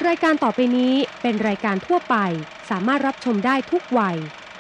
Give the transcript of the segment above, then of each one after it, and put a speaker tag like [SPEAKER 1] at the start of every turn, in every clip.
[SPEAKER 1] รายการต่อไปนี้เป็นรายการทั่วไปสามารถรับชมได้ทุกวัย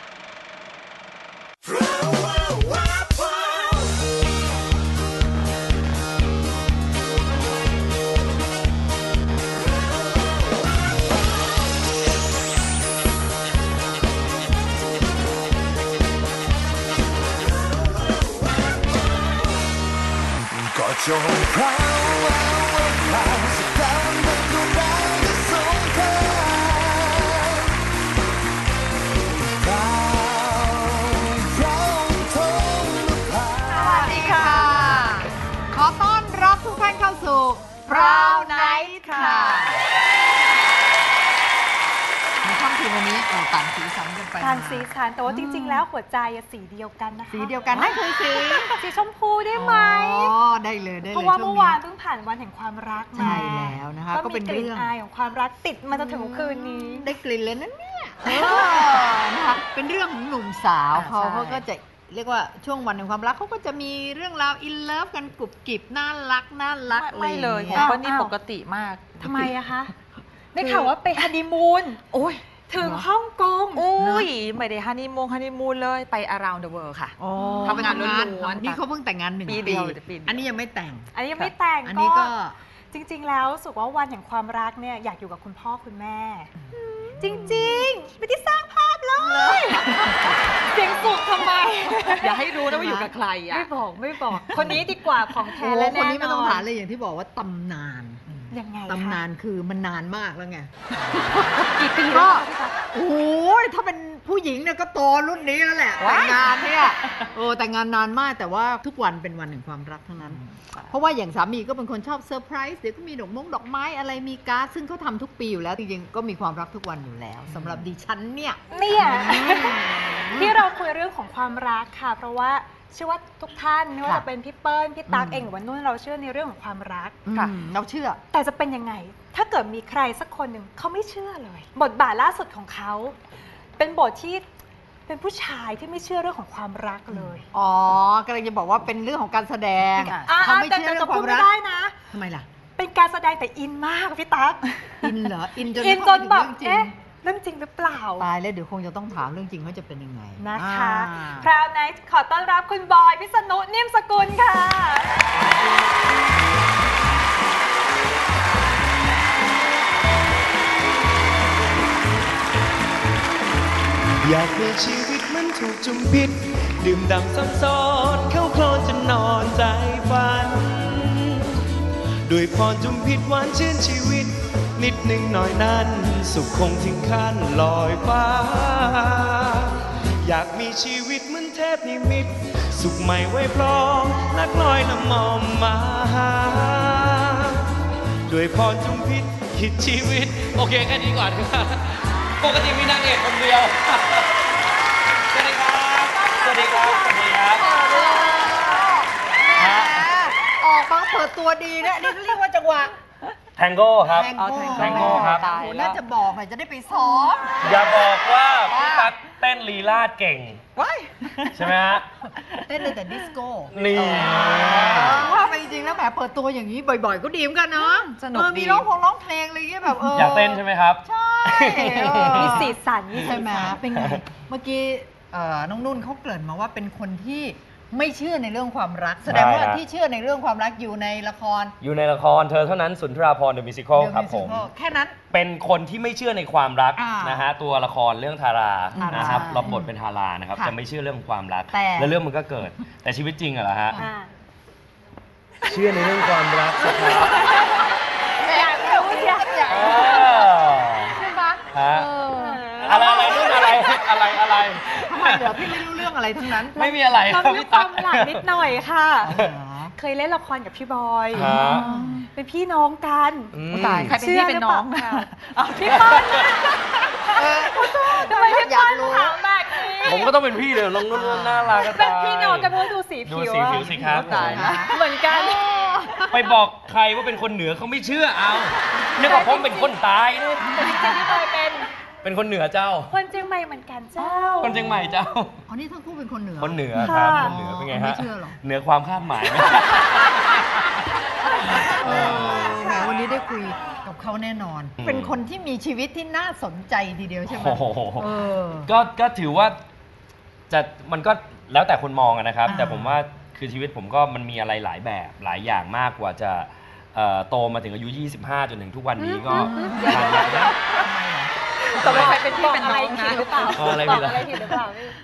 [SPEAKER 2] ก็จงพราวพราวสักครั้งมันดวงดาวจะสงครามพราวทงนภา
[SPEAKER 3] สวัสดีค่ะ ขอต้อนรับทุกท่านเข้าสู่ Proud Night ค่ะในค่ำคืนวันนี้ต่างสีสันกันไป
[SPEAKER 4] ต่างสีสันแต่ว่าจริง ๆ แล้วหัวใจสีเดียวกันนะคะ
[SPEAKER 3] สีเดียวกันนั่นคือสี
[SPEAKER 4] สีชมพูได้ไหม
[SPEAKER 3] อ๋อได้เลยได้เลย
[SPEAKER 4] เพราะว่า
[SPEAKER 3] ช่
[SPEAKER 4] เมื่อวานเพิ่งผ่านวันแห่งความรักมา
[SPEAKER 3] ใช่แล้วนะคะก็
[SPEAKER 4] ก็
[SPEAKER 3] เป็
[SPEAKER 4] มี
[SPEAKER 3] น
[SPEAKER 4] กลิ่น
[SPEAKER 3] เรื่อง
[SPEAKER 4] อายของความรักติดมาจนถึงคืนนี้
[SPEAKER 3] ได้กลิ่นเลยนั่นเนี่ยนะคะเป็นเรื่องของหนุ่มสาว
[SPEAKER 4] ใช่
[SPEAKER 3] เขาก็จะเรียกว่าช่วงวันแห่งความรักเขาก็จะมีเรื่องราวอินเลิฟกันกรุบกริบน่ารัก
[SPEAKER 5] ไม่เลย
[SPEAKER 3] อะ
[SPEAKER 5] ข
[SPEAKER 3] ไร
[SPEAKER 5] อง
[SPEAKER 3] อาง
[SPEAKER 5] เปิ้ลนี่
[SPEAKER 4] อ้าว
[SPEAKER 5] ปกติมาก
[SPEAKER 4] ทำไมอะคะได้ข่าวว่าไปฮันนีมูน
[SPEAKER 5] โอ้ย
[SPEAKER 4] ถึงฮ่องกง
[SPEAKER 5] อุ้ยไม่ได้ฮันนีมูนเลยไป around the world ค่ะ
[SPEAKER 3] อ๋อ
[SPEAKER 5] ทำงานล้วนๆ
[SPEAKER 3] นี่เขาเพิ่งแต่งงาน1
[SPEAKER 5] ปี
[SPEAKER 3] ปี
[SPEAKER 5] เดียวปีเดียว
[SPEAKER 3] อันนี้ยังไม่แต่ง
[SPEAKER 4] อันนี้ยังไม่แต่ง
[SPEAKER 3] อันนี้ก็
[SPEAKER 4] จริง ๆ แล้วรู้สึกว่าวันแห่งความรักเนี่ยอยากอยู่กับคุณพ่อคุณแม่ จริงๆไม่ได้สร้างภาพเลยเสียงสุขทำไม
[SPEAKER 5] อย่าให้รู้นะว่าอยู่กับใครอ่ะ
[SPEAKER 4] ไม่บอก คนนี้ดีกว่าของแท้
[SPEAKER 3] โอ้
[SPEAKER 4] และ
[SPEAKER 3] คน
[SPEAKER 4] แน่
[SPEAKER 3] นี้ไม่
[SPEAKER 4] น
[SPEAKER 3] ต้อง
[SPEAKER 4] อน
[SPEAKER 3] ถามเลยอย่างที่บอกว่าตำนาน
[SPEAKER 4] ยังไงคะ
[SPEAKER 3] ตำนานคือมันนานมากแล้วไง
[SPEAKER 4] กี่ปี
[SPEAKER 3] ก็
[SPEAKER 4] แล้วคะ
[SPEAKER 3] โอ้ยถ้าเป็นผู้หญิงเนี่ยก็โตรุ่นนี้แล้วแหละ
[SPEAKER 5] ว้าย
[SPEAKER 3] แต่งงานเนี่ยแต่งงานนานมากแต่ว่าทุกวันเป็นวันแห่งความรักทั้งนั้น เพราะว่าอย่างสามีก็เป็นคนชอบเซอร์ไพรส์เดี๋ยวก็มีดอกไม้อะไรมีการ์ดซึ่งเขาทำทุกปีอยู่แล้วจริงๆก็มีความรักทุกวันอยู่แล้วสำหรับดิฉันเนี่ย
[SPEAKER 4] เนี่ยที่เราคุยเรื่องของความรักค่ะ เพราะว่าเชื่อว่าทุกท่านไม่ว่าจะเป็นพี่เปิ้ลพี่ตั๊กเองหรือว่านุ่นเราเชื่อในเรื่องของความรัก
[SPEAKER 3] ค่ะเราเชื่อ
[SPEAKER 4] แต่จะเป็นยังไง ถ้าเกิดมีใครสักคนหนึ่งเขาไม่เชื่อเลย บทบาทล่าสุดของเขา เป็นบทที่เป็นผู้ชายที่ไม่เชื่อเรื่องของความรักเลย
[SPEAKER 3] อ๋อกำลังจะบอกว่าเป็นเรื่องของการแสดง
[SPEAKER 4] อ่ะ
[SPEAKER 3] เขาไม่
[SPEAKER 4] แต่
[SPEAKER 3] เชื่อเรื่อง
[SPEAKER 4] จะ
[SPEAKER 3] ควา
[SPEAKER 4] พูด
[SPEAKER 3] ม
[SPEAKER 4] ไม่
[SPEAKER 3] รัก
[SPEAKER 4] ได้นะ
[SPEAKER 3] ทำไมล่ะ
[SPEAKER 4] เป็นการแสดงแต่อินมากพี่ตั๊ก
[SPEAKER 3] อินเหรออินจน
[SPEAKER 4] อินจนแบบ
[SPEAKER 3] เรื่องจริง
[SPEAKER 4] เรื่องจริงหรือเปล่า
[SPEAKER 3] ตายแล้วเดี๋ยวคงจะต้องถามเรื่องจริงว่าจะเป็นยังไง
[SPEAKER 4] นะคะ
[SPEAKER 3] อ่า
[SPEAKER 4] Proud Night ขอต้อนรับคุณบอยพิษณุนิ่มสกุลค่ะ
[SPEAKER 2] อยากมีชีวิตมันถูกจุมพิษดื่มด่ำซ้ำซ้อนเข้าโคลนจนนอนใจฝันด้วยพรจุมพิษหวานชื่นชีวิต นิดหนึ่งหน่อยนั้น สุขคงถึงขั้นลอยฟ้า อยากมีชีวิตเหมือนเทพนิมิต สุขใหม่ไว้พร้อมนักลอยน้ำมอมมาหาด้วยพรจุมพิษคิดชีวิต โอเคแค่นี้ก่อนครับปกติมีนางเอกคนเดียว สวัสดีครับ สวัสดีครับ สวัสดีครับ
[SPEAKER 3] แหมออกมาเปิดตัวดีนะอันนี่เรียกว่าจังหวะ
[SPEAKER 6] แทงโก้ครับ
[SPEAKER 3] แทง
[SPEAKER 6] แทงโก้ครับ
[SPEAKER 3] โอ้โหน่าจะบอกหน่อยจะได้ไปซ้อม
[SPEAKER 6] อย่าบอกว่าพี่ตั๊กเต้นลีลาดเก่ง
[SPEAKER 3] ว้าย
[SPEAKER 6] ใช่ไหมฮะ
[SPEAKER 3] เต้นเลยแต่ดิสโก้
[SPEAKER 6] นี่
[SPEAKER 3] ว่าไปจริงๆแล้วแหมเปิดตัวอย่างนี้บ่อยๆ ก็ดีเหมือนกันเนาะ
[SPEAKER 5] สนุกดี
[SPEAKER 3] มีร้องเพลงอะไรอย่างเงี้ยแบบ
[SPEAKER 6] อยากเต้นใช่ไหมครับ
[SPEAKER 3] ใช่
[SPEAKER 4] มีสีสัน
[SPEAKER 3] ใช่ไหมเป็นไงเมื่อกี้น้องนุ่นเขาเกริ่นมาว่าเป็นคนที่ไม่เชื่อในเรื่องความรัก แสดงว่า
[SPEAKER 6] ใช่ฮะ
[SPEAKER 3] ที่เชื่อในเรื่องความรักอยู่ในละคร
[SPEAKER 6] อยู่ในละครเธอเท่านั้นสุนทราภรณ์เดอะมิวสิคล
[SPEAKER 3] The
[SPEAKER 6] ครับผม
[SPEAKER 3] Musical แค่นั้น
[SPEAKER 6] เป็นคนที่ไม่เชื่อในความรัก
[SPEAKER 3] อ่าน
[SPEAKER 6] นะฮะตัวละครเรื่องทารา
[SPEAKER 3] ทารา
[SPEAKER 6] นะครับ
[SPEAKER 3] ใช่
[SPEAKER 6] รับบทเป็นทารานะครับ
[SPEAKER 3] ค่ะ
[SPEAKER 6] จะไม่เชื่อเรื่องของความรัก
[SPEAKER 3] แต่
[SPEAKER 6] แล้วเรื่องมันก็เกิด แต่ชีวิตจริงอะเหรอฮะ
[SPEAKER 4] อ่า
[SPEAKER 6] เชื่อในเรื่องความรักสิครับ
[SPEAKER 4] อยากรู้อยาก
[SPEAKER 6] เออ
[SPEAKER 4] ใช่ปะ
[SPEAKER 6] ฮะอะไรนู่นอะไรอะไร
[SPEAKER 3] ทำไมเหรอพี่ไม่รู้เรื่องอะไรทั้งนั้น
[SPEAKER 6] ไม่มีอะไรค
[SPEAKER 4] เรา
[SPEAKER 6] รับ
[SPEAKER 4] มี
[SPEAKER 6] พี่
[SPEAKER 4] ควา
[SPEAKER 6] ตั๊ก
[SPEAKER 4] มหลังนิดหน่อยค่ะ
[SPEAKER 3] เหรอ
[SPEAKER 4] เคยเล่นละครกับพี่บอย
[SPEAKER 6] ฮะ
[SPEAKER 4] เป็นพี่น้องกัน
[SPEAKER 6] อืม
[SPEAKER 5] ตายใครเป็นพี่เป็นน้อง
[SPEAKER 4] เชื่หรืเปล่าพี่เปิ้ลทำไมพี่
[SPEAKER 3] อยา
[SPEAKER 4] เปิ้
[SPEAKER 3] ก
[SPEAKER 4] ล
[SPEAKER 3] รู้
[SPEAKER 4] ถามแบบนี้
[SPEAKER 6] ผมก็ต้องเป็นพี่เลยน้องนุ่นน่ารักก็
[SPEAKER 4] เป็น
[SPEAKER 6] ตาย
[SPEAKER 4] พี่น้องกันเพราะดูสี
[SPEAKER 6] ดู
[SPEAKER 4] ผิว
[SPEAKER 6] สี
[SPEAKER 4] อะ
[SPEAKER 6] ผิวสิครับ
[SPEAKER 3] ตายละ
[SPEAKER 4] เหมือนกัน
[SPEAKER 6] ไปบอกใครว่าเป็นคนเหนือเขาไม่เชื่อเอานึกว่าผมเป็นคนตายนี่
[SPEAKER 4] แต่จริงๆพี่บอยเป็น
[SPEAKER 6] คนเหนือเจ้า
[SPEAKER 4] คนเชียงใหม่เหมือนกันเจ้า
[SPEAKER 6] คนเชียงใหม่เจ้า
[SPEAKER 3] อ๋อนี่ทั้งคู่เป็นคนเหนือ
[SPEAKER 6] คนเหนือครับ
[SPEAKER 4] ค่ะ
[SPEAKER 6] คนเหนือเป็นไง
[SPEAKER 3] ไม่
[SPEAKER 6] ฮะ
[SPEAKER 3] เชื่อหรอก
[SPEAKER 6] เหนือความคาดหมายไหม
[SPEAKER 3] แหมวันนี้ได้คุยกับกับเขาแน่นอน
[SPEAKER 6] อืม
[SPEAKER 3] เป็นคนที่มีชีวิตที่น่าสนใจทีเดียวใช่ไหม
[SPEAKER 6] โอ้โห
[SPEAKER 3] เออ
[SPEAKER 6] ก็ถือว่ามันก็แล้วแต่คนมองนะครับ
[SPEAKER 3] อ่า
[SPEAKER 6] แต่ผมว่าคือชีวิตผมก็มันมีอะไรหลายแบบหลายอย่างมากกว่าจะโตมาถึงอายุ 25 จนถึงทุกวันนี้ก็ผ่านมาแล้ว
[SPEAKER 5] ตกลงใครเป็นพี่เป็นน้อง
[SPEAKER 4] ผิ
[SPEAKER 5] นะ
[SPEAKER 4] ดหรือเปล่า
[SPEAKER 6] อะไร
[SPEAKER 4] บ
[SPEAKER 6] ผิ
[SPEAKER 4] อก
[SPEAKER 6] ดเหรอ
[SPEAKER 4] อะไรผิดหรือเปล่าพี่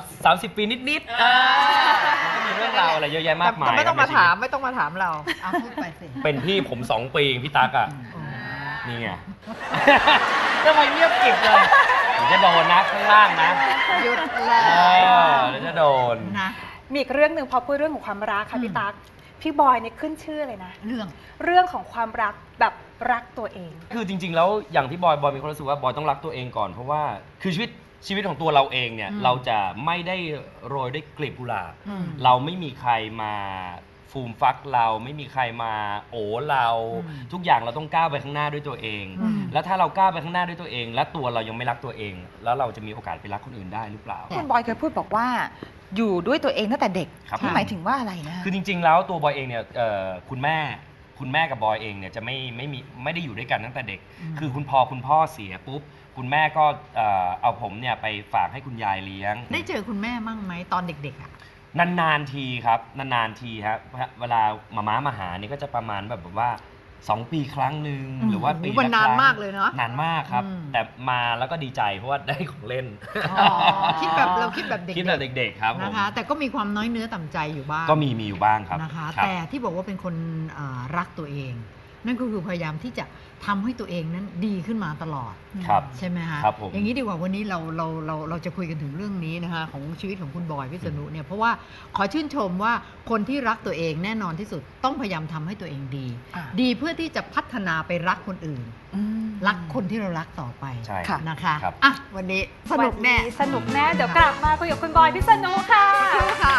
[SPEAKER 6] 30 ปีนิดๆมันก็มีเรื่องราวอะไรเยอะแยะมากมาย
[SPEAKER 3] แต่ไม่ต้องมา
[SPEAKER 6] ครับ
[SPEAKER 3] ถาม
[SPEAKER 6] ในชีวิ
[SPEAKER 3] ไม่ต้องมาถามเราเอาพูดไปสิ
[SPEAKER 6] ตเป็นพี่ผม 2 ปีพี่ตั๊กอ่ะ
[SPEAKER 3] อ๋อ
[SPEAKER 6] นี่ไง ทำไมเงียบกริบเลยเดี๋ยวจะโดนนะข้างล่างนะ
[SPEAKER 3] หยุดเล
[SPEAKER 6] เอย เดี๋ยวจะโดน
[SPEAKER 3] นะ
[SPEAKER 4] มีอีกเรื่องหนึ่งพอพูดเรื่องของความรักค่ะพี่ตั๊กพี่บอยเนี่ยขึ้นชื่อเลยนะ
[SPEAKER 3] เรื่อง
[SPEAKER 4] เรื่องของความรักแบบรักตัวเอง
[SPEAKER 6] คือจริง ๆ แล้วอย่างที่บอยมีความรู้สึกว่าบอยต้องรักตัวเองก่อนเพราะว่าคือชีวิตของตัวเราเองเนี่ย
[SPEAKER 3] อืม
[SPEAKER 6] เราจะไม่ได้โรยด้วยกลีบกุหลาบ
[SPEAKER 3] อืม
[SPEAKER 6] เราไม่มีใครมาฟูมฟักเราไม่มีใครมาโอ้เรา
[SPEAKER 3] อืม
[SPEAKER 6] ทุกอย่างเราต้องก้าวไปข้างหน้าด้วยตัวเอง
[SPEAKER 3] อืม
[SPEAKER 6] แล้วถ้าเราก้าวไปข้างหน้าด้วยตัวเอง และตัวเรายังไม่รักตัวเอง แล้วเราจะมีโอกาสไปรักคนอื่นได้หรือเปล่า
[SPEAKER 5] คุณบอยเคยพูดบอกว่าอยู่ด้วยตัวเองตั้งแต่เด็ก
[SPEAKER 6] ครับ
[SPEAKER 5] นี่หมายถึงว่าอะไรนะ
[SPEAKER 6] คือจริง ๆ แล้วตัวบอยเองเนี่ยคุณแม่กับบอยเองเนี่ยจะไม่ได้อยู่ด้วยกันตั้งแต่เด็ก
[SPEAKER 3] อืม
[SPEAKER 6] คือคุณพ่อเสียปุ๊บคุณแม่ก็เอาผมเนี่ยไปฝากให้คุณยายเลี้ยง
[SPEAKER 3] ได้เจอคุณแม่มั่งไหมตอนเด็กๆอ่ะ
[SPEAKER 6] นานๆทีครับนานๆทีครับเวลาม้ามาหานี่ก็จะประมาณแบบว่า2 ปีครั้งหนึ่ง
[SPEAKER 3] อืม
[SPEAKER 6] หรือว่าปี
[SPEAKER 3] โอ้โหมัน
[SPEAKER 6] ละ
[SPEAKER 3] นาน
[SPEAKER 6] ครั้ง
[SPEAKER 3] มากเลยเนอะ
[SPEAKER 6] นานมากครับ
[SPEAKER 3] อืม
[SPEAKER 6] แต่มาแล้วก็ดีใจเพราะว่าได้ของเล่น
[SPEAKER 3] อ๋อคิดแบบเราคิดแบบเด็กๆ
[SPEAKER 6] คิดแบบเด็กๆครับผม
[SPEAKER 3] นะคะ แต่ก็มีความน้อยเนื้อต่ำใจอยู่บ้าง
[SPEAKER 6] ก็มีอยู่บ้างครับ
[SPEAKER 3] นะคะ
[SPEAKER 6] ครับ
[SPEAKER 3] แต่ที่บอกว่าเป็นคนรักตัวเอง นั่นก็คือพยายามที่จะทำให้ตัวเองนั้นดีขึ้นมาตลอด
[SPEAKER 6] ครับ
[SPEAKER 3] ใช่ไหมคะ
[SPEAKER 6] ครับผม
[SPEAKER 3] อย่างนี้ดีกว่าวันนี้เราจะคุยกันถึงเรื่องนี้นะคะของชีวิตของคุณบอยพิษณุเนี่ยเพราะว่าขอชื่นชมว่าคนที่รักตัวเองแน่นอนที่สุดต้องพยายามทำให้ตัวเองดี
[SPEAKER 5] อ่า
[SPEAKER 3] ดีเพื่อที่จะพัฒนาไปรักคนอื่น รักคนที่เรารักต่อไป
[SPEAKER 6] ใช่
[SPEAKER 5] ค่ะ
[SPEAKER 3] นะคะ
[SPEAKER 6] ครับ
[SPEAKER 3] อ่ะวันนี้สนุกแน่
[SPEAKER 4] วันนี้สนุกแน่ เดี๋ยวกลับมาคุยกับคุณบอยพิษณุค่ะ
[SPEAKER 3] ค่ะ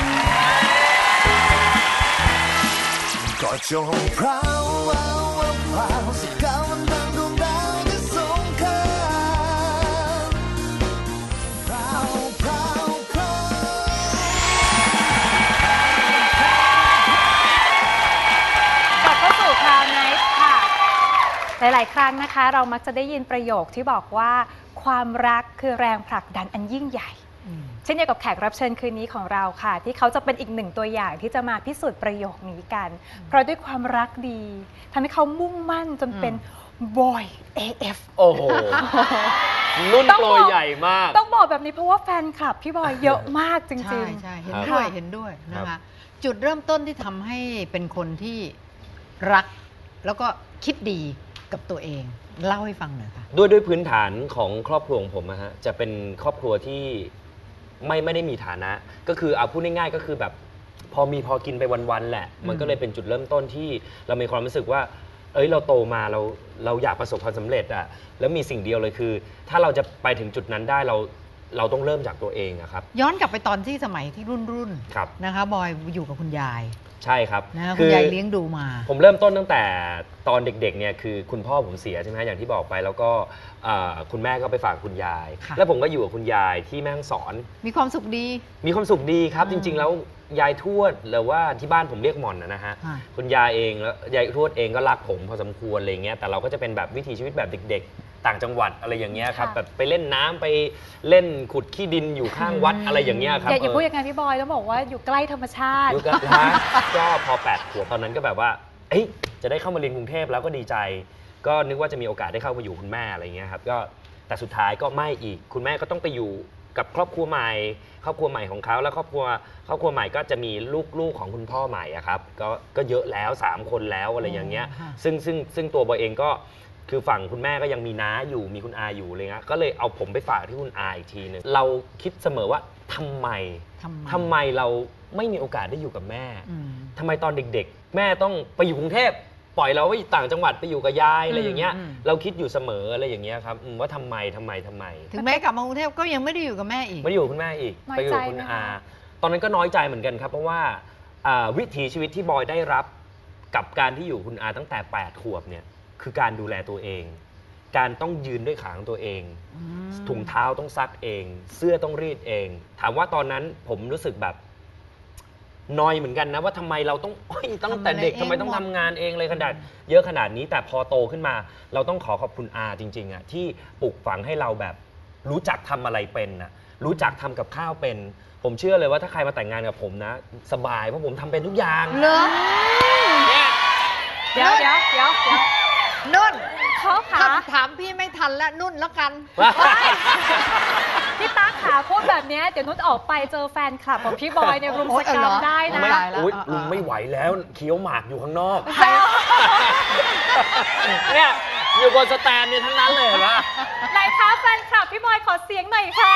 [SPEAKER 7] ก็จงพราวพราวสักก้าวมันดังดวงดาวที่สงครามพราวพราวพราว
[SPEAKER 4] กลับเข้าสู่คราวไนท์ค่ะ หลาย ๆ ครั้งนะคะ เรามักจะได้ยินประโยคที่บอกว่า ความรักคือแรงผลักดันอันยิ่งใหญ่ เช่นเดียวกับแขกรับเชิญคืนนี้ของเราค่ะ ที่เขาจะเป็นอีกหนึ่งตัวอย่างที่จะมาพิสูจน์ประโยคนี้กัน เพราะด้วยความรักดีทำให้เขามุ่งมั่นจนเป็นบอย AF
[SPEAKER 6] โอ้โหรุ่น
[SPEAKER 4] ต้อง
[SPEAKER 6] โปร
[SPEAKER 4] บอก
[SPEAKER 6] ยใหญ่มาก
[SPEAKER 4] ต้องบอกแบบนี้เพราะว่าแฟนคลับพี่บอยเยอะมากจ
[SPEAKER 3] ใช่
[SPEAKER 4] ริง
[SPEAKER 3] ใช่เห็น
[SPEAKER 6] ครับ
[SPEAKER 3] ด้วย
[SPEAKER 4] ค่ะ
[SPEAKER 3] เห็นด้วยนะ
[SPEAKER 6] ครั
[SPEAKER 3] คะ
[SPEAKER 6] บ
[SPEAKER 3] จุดเริ่มต้นที่ทำให้เป็นคนที่รัก แล้วก็คิดดีกับตัวเอง เล่าให้ฟังหน่อยค่ะ
[SPEAKER 6] ด้วยพื้นฐานของครอบครัวของผมนะฮะจะเป็นครอบครัวที่ไม่ได้มีฐานะ ก็คือเอาพูดง่ายๆก็คือแบบพอกินไปวันๆแหละ มันก็เลยเป็นจุดเริ่มต้นที่เรามีความรู้สึกว่า เอ้ยเราโตมาเราอยากประสบความสำเร็จอะแล้วมีสิ่งเดียวเลยคือ ถ้าเราจะไปถึงจุดนั้นได้เราต้องเริ่มจากตัวเองอะครับ
[SPEAKER 3] ย้อนกลับไปตอนที่สมัยที่รุ่น
[SPEAKER 6] ครับ
[SPEAKER 3] นะคะบอยอยู่กับคุณยาย
[SPEAKER 6] ใช่ครับ
[SPEAKER 3] นะคะ
[SPEAKER 6] คื
[SPEAKER 3] คุณ
[SPEAKER 6] อ
[SPEAKER 3] ยายเลี้ยงดูมา
[SPEAKER 6] ผมเริ่มต้นตั้งแต่ตอนเด็กๆเนี่ยคือคุณพ่อผมเสียใช่ไหมอย่างที่บอกไปแล้วก็คุณแม่ก็ไปฝากคุณยาย
[SPEAKER 3] ค่ะ
[SPEAKER 6] แล้วผมก็อยู่กับคุณยายที่แม่ฮ่องสอน
[SPEAKER 3] มีความสุขดี
[SPEAKER 6] มีความสุขดีครับ
[SPEAKER 3] อื
[SPEAKER 6] จ
[SPEAKER 3] ม
[SPEAKER 6] ริง ๆ แล้วยายทวดหรือว่าที่บ้านผมเรียกหม่อนนะฮะ
[SPEAKER 3] ค่ะ
[SPEAKER 6] คุณยายเองแล้วยายทวดเองก็รักผมพอสมควรอะไรเงี้ยแต่เราก็จะเป็นแบบวิถีชีวิตแบบเด็ก ๆ ต่างจังหวัดอะไรอย่างเงี้ยครับ
[SPEAKER 4] ค่ะ
[SPEAKER 6] แบบไปเล่นน้ำไปเล่นขุดขี้ดินอยู่ข้างวัดอะไรอย่างเงี้ยครับ
[SPEAKER 4] อย่าพูดอย่างนั้นพี่บอยต้องบอกว่าอยู่ใกล้ธรรมชาติ
[SPEAKER 6] ยุคก็พอ8 ขวบตอนนั้นก็แบบว่าเอ้ยจะได้เข้ามาเรียนกรุงเทพแล้วก็ดีใจ ก็นึกว่าจะมีโอกาสได้เข้ามาอยู่คุณแม่อะไรเงี้ยครับก็แต่สุดท้ายก็ไม่อีกคุณแม่ก็ต้องไปอยู่กับครอบครัวใหม่ครอบครัวใหม่ของเขาแล้วครอบครัวใหม่ก็จะมีลูกของคุณพ่อใหม่อะครับก็เยอะแล้ว3 คนแล้วอะไรอย่างเงี้ย
[SPEAKER 3] ค่ะ
[SPEAKER 6] ซึ่งตัวบอยเองก็คือฝั่งคุณแม่ก็ยังมีน้าอยู่มีคุณอาอยู่เลยนะก็เลยเอาผมไปฝากที่คุณอาอีกทีหนึงเราคิดเสมอว่าทำไมเราไม่มีโอกาสได้อยู่กับแม่
[SPEAKER 3] อืม
[SPEAKER 6] ทำไมตอนเด็กๆ แม่ต้องไปอยู่กรุงเทพปล่อยเราไว้ต่างจังหวัดไปอยู่กับยายอะไรอย่างเงี้ย
[SPEAKER 3] อืม
[SPEAKER 6] เราคิดอยู่เสมออะไรอย่างเงี้ยครับว่าทำไม
[SPEAKER 3] ถึงแม้กลับมากรุงเทพก็ยังไม่ได้อยู่กับแม่อีก
[SPEAKER 6] ไม่ได้อยู่กับคุณแม่อีก
[SPEAKER 4] น้อย
[SPEAKER 6] ไปอยู่กับ
[SPEAKER 4] ใจ
[SPEAKER 6] คุณ
[SPEAKER 4] ไหมคะ
[SPEAKER 6] อาตอนนั้นก็น้อยใจเหมือนกันครับเพราะว่าวิถีชีวิตที่บอยได้รับกับการที่อยู่คุณอาตั้งแต่8 ขวบเนี่ยคือการดูแลตัวเอง การต้องยืนด้วยขาของตัวเอง ถุงเท้าต้องซักเอง เสื้อต้องรีดเอง ถามว่าตอนนั้นผมรู้สึกแบบนอยเหมือนกันนะว่าทำไมเราต้องตั้งแต่เด็ก
[SPEAKER 3] ทำอะไรเอง
[SPEAKER 6] ทำไมต้องทำงานเองเลยขนาดเยอะขนาดนี้แต่พอโตขึ้นมา เราต้องขอบคุณอาจริงๆอ่ะที่ปลูกฝังให้เราแบบรู้จักทำอะไรเป็นนะรู้จักทำกับข้าวเป็น ผมเชื่อเลยว่าถ้าใครมาแต่งงานกับผมนะ สบายเพราะผมทำเป็นทุกอย่าง
[SPEAKER 3] เหรอ
[SPEAKER 6] เนี่ย
[SPEAKER 4] เดี๋ยว
[SPEAKER 3] นุ่น
[SPEAKER 4] เขาขา
[SPEAKER 3] ถามพี่ไม่ทันแล้วนุ่นแล้วกัน
[SPEAKER 4] พี่ตั๊กขาพูดแบบเนี้ยเดี๋ยวนุชออกไปเจอแฟนคลับของพี่บอยในรุมสกรรมได้นะ
[SPEAKER 6] ไม่
[SPEAKER 3] ตายแล้ว
[SPEAKER 6] อุ๊ย
[SPEAKER 3] อ่ะ
[SPEAKER 6] ลุงไม่ไหวแล้วเคี้ยวหมากอยู่ข้างนอก
[SPEAKER 3] ใคร
[SPEAKER 6] เนี่ยอยู่บนสแตนเนี่ยทั้งนั้นเลยเห็นปะ
[SPEAKER 4] ไหนคะแฟนคลับพี่บอยขอเสียงหน่อยค่ะ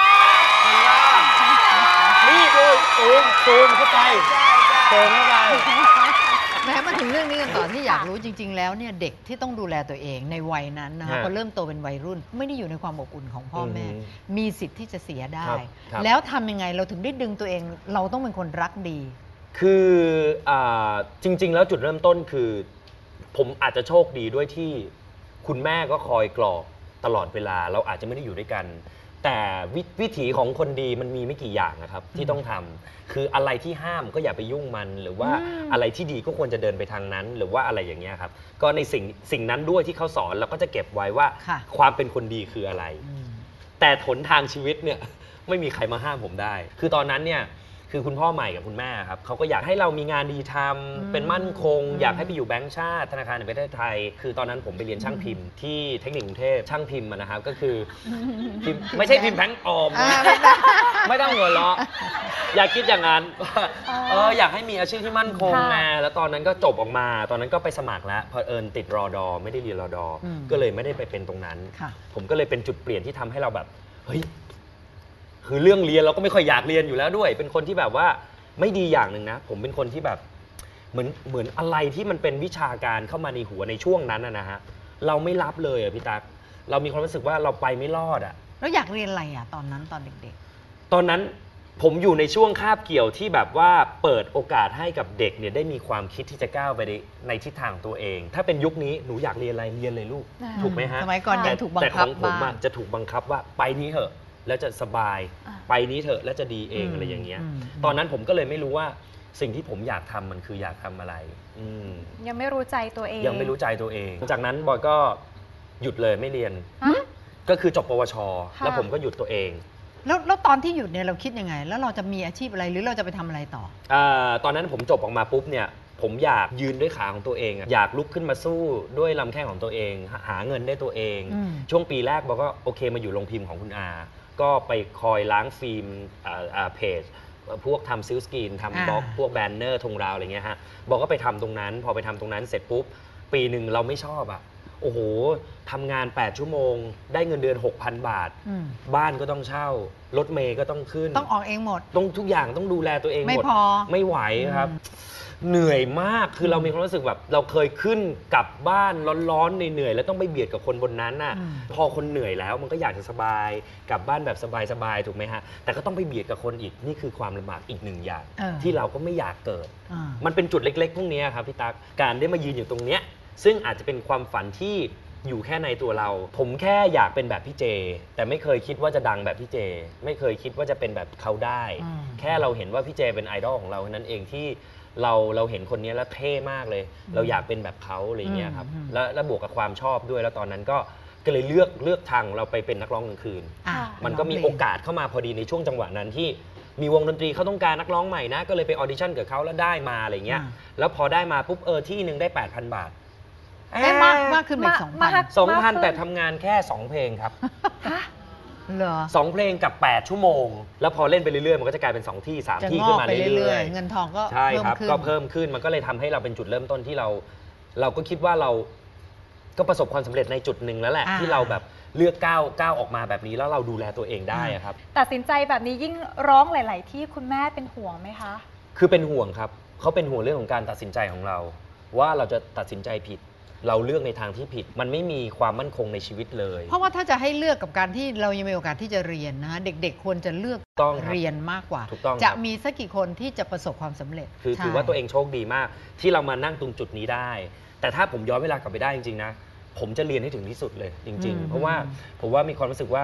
[SPEAKER 6] นี่ดูซูมเข้าไปซูมเข้าไป
[SPEAKER 3] แม้มาถึงเรื่องนี้กันต่อที่อยากรู้จริง ๆ แล้วเนี่ยเด็กที่ต้องดูแลตัวเองในวัยนั้นนะคะ
[SPEAKER 6] ฮะ
[SPEAKER 3] พอเริ่มโตเป็นวัยรุ่น ไม่ได้อยู่ในความอบอุ่นของพ่อแม่
[SPEAKER 6] อืม
[SPEAKER 3] มีสิทธิ์ที่จะเสียได้
[SPEAKER 6] ครับ
[SPEAKER 3] แล้วทำยังไงเราถึงได้ดึงตัวเอง เราต้องเป็นคนรักดี
[SPEAKER 6] คือจริง ๆ แล้วจุดเริ่มต้นคือ ผมอาจจะโชคดีด้วยที่คุณแม่ก็คอยกรอกตลอดเวลาเราอาจจะไม่ได้อยู่ด้วยกัน แต่วิถีของคนดีมันมีไม่กี่อย่างนะครับที่ต้องทำคืออะไรที่ห้ามก็อย่าไปยุ่งมัน หรือว่าอะไรที่ดีก็ควรจะเดินไปทางนั้น หรือว่าอะไรอย่างเงี้ยครับก็ในสิ่งนั้นด้วยที่เขาสอนเราก็จะเก็บไว้ว่า
[SPEAKER 3] ค่ะ
[SPEAKER 6] ความเป็นคนดีคืออะไร แต่หนทางชีวิตเนี่ย ไม่มีใครมาห้ามผมได้ คือตอนนั้นเนี่ยคือคุณพ่อใหม่กับคุณแม่ครับเขาก็อยากให้เรามีงานดีทำเป็นมั่นคง อยากให้ไปอยู่แบงก์ชาติธนาคารแห่งประเทศไทย คือตอนนั้นผมไปเรียนช่างพิมพ์ที่เทคนิคกรุงเทพช่างพิมพ์นะครับก็คือพิมพ์ไม่ใช่พิมพ์แบงก์ออมนะไม่ต้องหัวเราะอย่าคิดอย่างนั้นอยากให้มีอาชีพที่มั่นคงไงแล้วตอนนั้นก็จบออกมา ตอนนั้นก็ไปสมัครแล้วพอติดรอดอไม่ได้เรียนรอดอก็เลยไม่ได้ไปเป็นตรงนั้น ผมก็เลยเป็นจุดเปลี่ยนที่ทำให้เราแบบเฮ้ยคือเรื่องเรียนเราก็ไม่ค่อยอยากเรียนอยู่แล้วด้วย เป็นคนที่แบบว่าไม่ดีอย่างหนึ่งนะผมเป็นคนที่แบบเหมือนอะไรที่มันเป็นวิชาการเข้ามาในหัวในช่วงนั้นนะฮะเราไม่รับเลยพี่ตั๊กเรามีความรู้สึกว่าเราไปไม่รอดอ่ะ
[SPEAKER 3] แล้วอยากเรียนอะไรอ่ะตอนนั้นตอนเด็ก
[SPEAKER 6] ตอนนั้นผมอยู่ในช่วงคาบเกี่ยวที่แบบว่าเปิดโอกาสให้กับเด็กเนี่ยได้มีความคิดที่จะก้าวไปในทิศทางตัวเอง ถ้าเป็นยุคนี้หนูอยากเรียนอะไรเรียนเลยลูกถูกไหมฮะ
[SPEAKER 3] สมัยก่อนยังถูกบังคับ
[SPEAKER 6] แต่ของผม
[SPEAKER 3] บ้าง
[SPEAKER 6] จะถูกบังคับว่าไปนี้เถอะแล้วจะสบายไปนี้เถอะแล้วจะดีเองอะไรอย่างเงี้ยตอนนั้นผมก็เลยไม่รู้ว่าสิ่งที่ผมอยากทำมันคืออยากทำอะไร
[SPEAKER 4] ยังไม่รู้ใจตัวเอง
[SPEAKER 6] ยังไม่รู้ใจตัวเองจากนั้นบอยก็หยุดเลยไม่เรียนก็คือจบปวชแล้วผมก็หยุดตัวเอง
[SPEAKER 3] แล้วตอนที่หยุดเนี่ยเราคิดยังไง แล้วเราจะมีอาชีพอะไรหรือเราจะไปทำอะไรต่อ
[SPEAKER 6] ตอนนั้นผมจบออกมาปุ๊บเนี่ยผมอยากยืนด้วยขาของตัวเองอยากลุกขึ้นมาสู้ด้วยลำแข้งของตัวเองหาเงินได้ตัวเองช่วงปีแรกบอกก็โอเคมาอยู่โรงพิมพ์ของคุณอาก็ไปคอยล้างฟิล์มเพจพวกทำซิลสกรีนทำบล็อกพวกแบนเนอร์ธงราวอะไรเงี้ยฮะบอกก็ไปทำตรงนั้นพอไปทำตรงนั้นเสร็จปุ๊บปีหนึ่งเราไม่ชอบอ่ะโอ้โหทำงาน8ชั่วโมงได้เงินเดือน 6,000 บาทบ้านก็ต้องเช่ารถเมย์ก็ต้องขึ้น
[SPEAKER 3] ต้องออกเองหมด
[SPEAKER 6] ต้องทุกอย่างต้องดูแลตัวเองหมด
[SPEAKER 3] ไม่พอ
[SPEAKER 6] ไม่ไหวครับเหนื่อยมากคือเรามีความรู้สึกแบบเราเคยขึ้นกลับบ้านร้อนๆเหนื่อยๆแล้วต้องไปเบียดกับคนบนนั้นน่ะพอคนเหนื่อยแล้วมันก็อยากจะสบายกลับบ้านแบบสบายๆถูกไหมฮะแต่ก็ต้องไปเบียดกับคนอีกนี่คือความลำบากอีกหนึ่งอย่างที่เราก็ไม่อยากเกิดมันเป็นจุดเล็กๆพวกนี้ครับพี่ตั๊กการได้มายืนอยู่ตรงเนี้ยซึ่งอาจจะเป็นความฝันที่อยู่แค่ในตัวเราผมแค่อยากเป็นแบบพี่เจแต่ไม่เคยคิดว่าจะดังแบบพี่เจไม่เคยคิดว่าจะเป็นแบบเขาได้แค่เราเห็นว่าพี่เจเป็นไอดอลของเรานั้นเองที่เราเห็นคนนี้แล้วเท่มากเลยเราอยากเป็นแบบเขาอะไรเงี้ยครับแล้วบวกกับความชอบด้วยแล้วตอนนั้นก็เลยเลือกทางเราไปเป็นนักร้องกลางคืนมันก็มีโอกาสเข้ามาพอดีในช่วงจังหวะนั้นที่มีวงดนตรีเขาต้องการนักร้องใหม่นะก็เลยไปออดิชั่นกับเขาแล้วได้มาอะไรเงี้ยแล้วพอได้มาปุ๊บที่หนึ่งได้ 8,000 บาท
[SPEAKER 3] ได้มากขึ้นไป2,000
[SPEAKER 6] แต่ทำงานแค่ 2 เพลงครับ
[SPEAKER 3] เหรอ
[SPEAKER 6] 2 เพลงกับ 8 ชั่วโมงแล้วพอเล่นไปเรื่อยๆมันก็จะกลายเป็น2 ที่ 3 ที่ขึ้นมาเรื่อย
[SPEAKER 3] ๆเงินทองก็
[SPEAKER 6] ใช่ครับก็เพิ่มขึ้นมันก็เลยทำให้เราเป็นจุดเริ่มต้นที่เราก็คิดว่าเราก็ประสบความสำเร็จในจุดหนึ่งแล้วแหละที่เราแบบเลือกก้าวออกมาแบบนี้แล้วเราดูแลตัวเองได้ครับ
[SPEAKER 4] ตัดสินใจแบบนี้ยิ่งร้องหลายๆที่คุณแม่เป็นห่วงไหมคะ
[SPEAKER 6] คือเป็นห่วงครับเขาเป็นห่วงเรื่องของการตัดสินใจของเราว่าเราจะตัดสินใจผิดเราเลือกในทางที่ผิดมันไม่มีความมั่นคงในชีวิตเลย
[SPEAKER 3] เพราะว่าถ้าจะให้เลือกกับการที่เรายังมีโอกาสที่จะเรียนนะเด็กๆควรจะเลือกเรียนมากกว่าจะมีสักกี่คนที่จะประสบความสำเร็จ
[SPEAKER 6] คือถือว่าตัวเองโชคดีมากที่เรามานั่งตรงจุดนี้ได้แต่ถ้าผมย้อนเวลากลับไปได้จริงๆนะผมจะเรียนให้ถึงที่สุดเลยจริงๆเพราะว่าผมว่ามีความรู้สึกว่า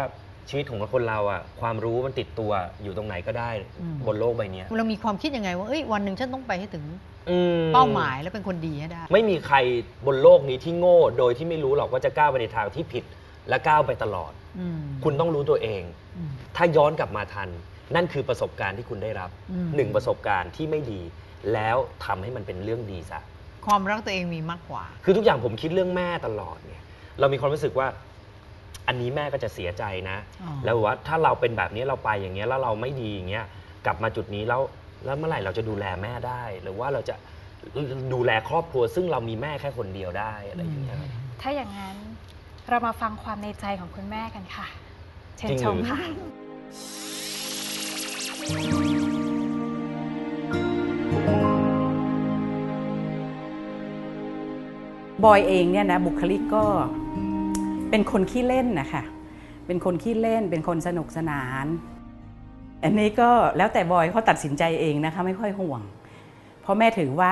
[SPEAKER 6] ชีวิตของคนเราอ่ะความรู้มันติดตัวอยู่ตรงไหนก็ได้บนโลกใบนี้
[SPEAKER 3] เรามีความคิดยังไงว่าวันหนึ่งฉันต้องไปให้ถึง
[SPEAKER 6] อืม
[SPEAKER 3] เป้าหมายแล้วเป็นคนดีให้ได้
[SPEAKER 6] ไม่มีใครบนโลกนี้ที่โง่โดยที่ไม่รู้หรอกว่าจะก้าวไปในทางที่ผิดและก้าวไปตลอด คุณต้องรู้ตัวเอง ถ้าย้อนกลับมาทัน นั่นคือประสบการณ์ที่คุณได้รับหนึ่งประสบการณ์ที่ไม่ดี แล้วทำให้มันเป็นเรื่องดีซะ
[SPEAKER 3] ความรักตัวเองมีมากกว่า
[SPEAKER 6] คือทุกอย่างผมคิดเรื่องแม่ตลอดเนี่ยเรามีความรู้สึกว่าอันนี้แม่ก็จะเสียใจนะ แล้วว่าถ้าเราเป็นแบบนี้เราไปอย่างเงี้ยแล้วเราไม่ดีอย่างเงี้ยกลับมาจุดนี้แล้วเมื่อไหร่เราจะดูแลแม่ได้ หรือว่าเราจะดูแลครอบครัวซึ่งเรามีแม่แค่คนเดียวได้อะไรอย่างเงี้ยครับ
[SPEAKER 4] ถ้าอย่างนั้นเรามาฟังความในใจของคุณแม่กันค่ะ เชิญชมค่ะ
[SPEAKER 8] บอยเองเนี่ยนะบุคลิกก็เป็นคนขี้เล่นนะคะเป็นคนขี้เล่นเป็นคนสนุกสนานอันนี้ก็แล้วแต่บอยเขาตัดสินใจเองนะคะไม่ค่อยห่วงเพราะแม่ถือว่า